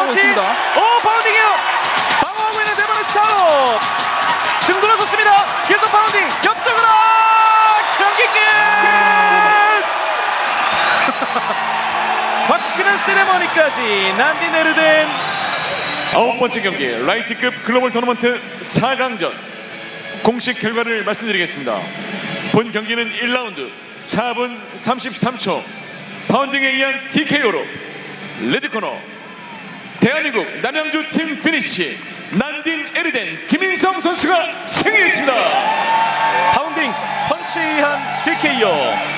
하고 있습니다. 오, 파운딩이요. 방어하고 있는 네 번의 스타로 등 돌아섰습니다. 계속 파운딩 옆쪽으로 경기 끝. 화끈한 세레머니까지 난디 네르덴. 9번째 경기 라이트급 글로벌 토너먼트 4강전 공식 결과를 말씀드리겠습니다. 본 경기는 1라운드 4분 33초 파운딩에 의한 TKO로 레드코너 대한민국 남양주 팀 피니시 난딘 에르덴 김인성 선수가 승리했습니다. 파운딩 펀치에 의한 TKO.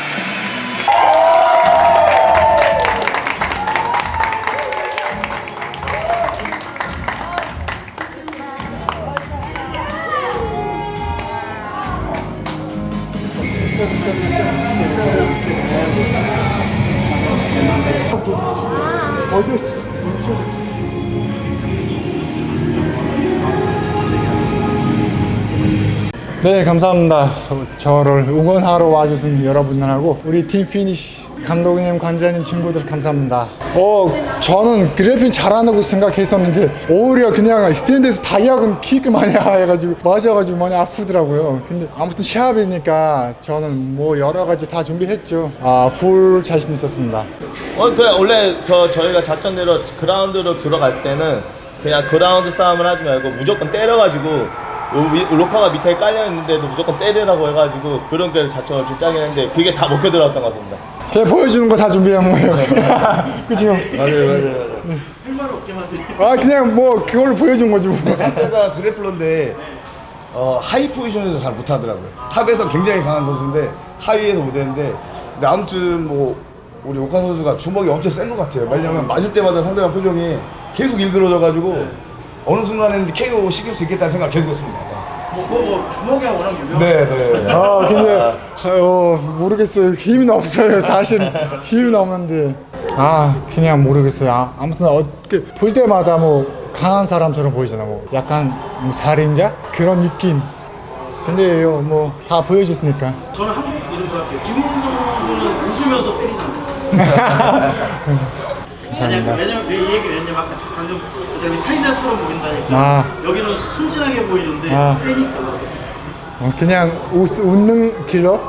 네, 감사합니다. 저를 응원하러 와주신 여러분들하고 우리 팀 피니시 감독님, 관장님, 친구들 감사합니다. 저는 그래핀 잘한다고 생각했었는데 오히려 그냥 스탠드에서 다이아곤 킥을 많이 해가지고 맞아가지고 많이 아프더라고요. 근데 아무튼 시합이니까 저는 뭐 여러 가지 다 준비했죠. 풀 자신 있었습니다. 원래 저희가 작전대로 그라운드로 들어갔을 때는 그냥 그라운드 싸움을 하지 말고 무조건 때려가지고 로커가 밑에 깔려있는데도 무조건 때리라고 해가지고 그런 게 작전을 좀 짜긴 했는데 그게 다 먹혀 들어갔던 것 같습니다. 그냥 보여주는 거 다 준비한 거예요. 그죠? 맞아요. 할 말 없게 만드네. 그냥 뭐 그걸 보여준 거지 뭐. 상대가 그래플러인데 하이 포지션에서 잘 못하더라고요. 탑에서 굉장히 강한 선수인데 하위에서 못했는데 근데 아무튼 뭐 우리 오카 선수가 주먹이 엄청 센 것 같아요. 왜냐면 맞을 때마다 상대방 표정이 계속 일그러져가지고 어느 순간에는 KO 시킬 수 있겠다는 생각을 계속 했습니다. 주먹이 워낙 유명한. 네. 근데 모르겠어요. 힘은 없어요. 사실 힘은 없는데 그냥 모르겠어요. 아무튼 볼 때마다 뭐 강한 사람처럼 보이잖아. 뭐 약간 뭐 살인자 그런 느낌. 근데 뭐 다 보여줬으니까. 저는 한국 이름 같아요. 김문성 선수는 웃으면서 때리잖아요. 왜냐면 이 얘기 왜냐면 아까 방금 그 사람이 살인자처럼 보인다니까. 여기는 순진하게 보이는데 세니까. 그냥 웃는 킬러.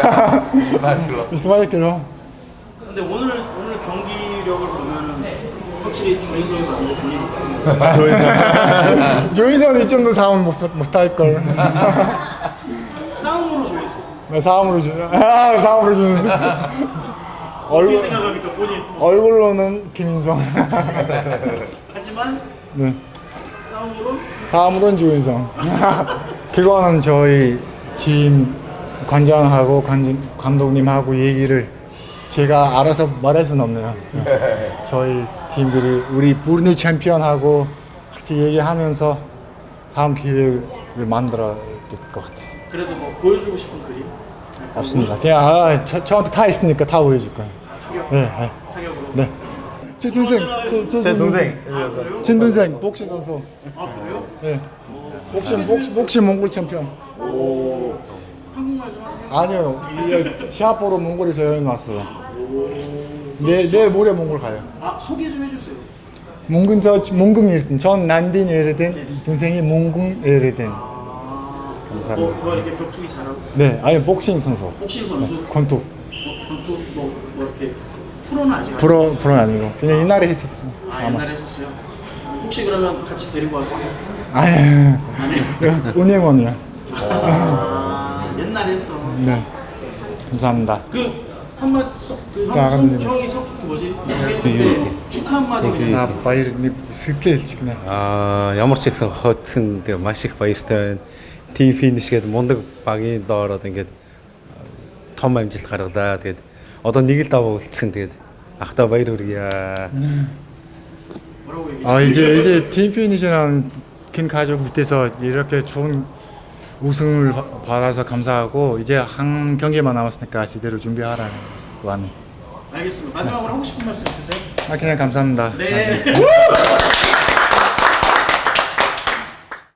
스마일 킬러. 근데 오늘 경기력을 보면은 확실히 조인성이 많이 본인이 못하세요. 조인성은 이 정도 싸움 못할 걸. 싸움으로 조인성. 싸움으로 주는. 어떻게 생각합니까 본인? 얼굴로는 김인성. 하지만 네. 싸움으로는 조인성. 그거는 저희 팀 관장하고 감독님하고 얘기를 제가 알아서 말할 수는 없네요. 저희 팀들이 우리 부르니 챔피언하고 같이 얘기하면서 다음 기회를 만들어야 될 것 같아요. 그래도 뭐 보여주고 싶은 그림? 없습니다. 그냥 저한테 다 있으니까 다 보여줄 거예요. 네. 타격으로? 네. 제 동생. 제 동생. 친동생 복싱 선수. 그래요? 네. 복싱 몽골 챔피언. 한국말 좀 하세요? 아니요. 시합 보러 몽골에서 여행 왔어요. 내일 모레 몽골 가요. 소개 좀 해주세요. 몽궁 에르덴. 전 난딘 에르덴, 동생이 몽궁 에르덴. 감사합니다. 뭐 이렇게 격투기 잘하고? 네, 복싱 선수. 복싱 선수? 권투. 권투 뭐 이렇게 프로는 아직 안 프로 아니고 그냥 옛날에 했었어. 옛날에 했었어요? 혹시 그러면 같이 데리고 와서? 아니요. 은행원이요. 옛날에 했던. 네. 감사합니다. 한마디 감독님. 형이 우승했는데 축하 한마디 그냥. баярны сэтгэлж гинэ. Ямар ч хэсэн хоцсон тэгээ маш их баяртай байна. Team finish гэдэг мундаг багийн доор одоо ингээд том амжилт гаргалаа. Тэгээд одоо нэг л даваа үлдсэн. Тэгээд ахта баяр хүргье. 이제 팀 피니시랑 긴 가족 밑에서 이렇게 좋은 우승을 받아서 감사하고 이제 한 경기만 남았으니까 제대로 준비하라는 거 안에. 알겠습니다. 마지막으로 하고 싶은 말씀 있으세요? 그냥 감사합니다. 네.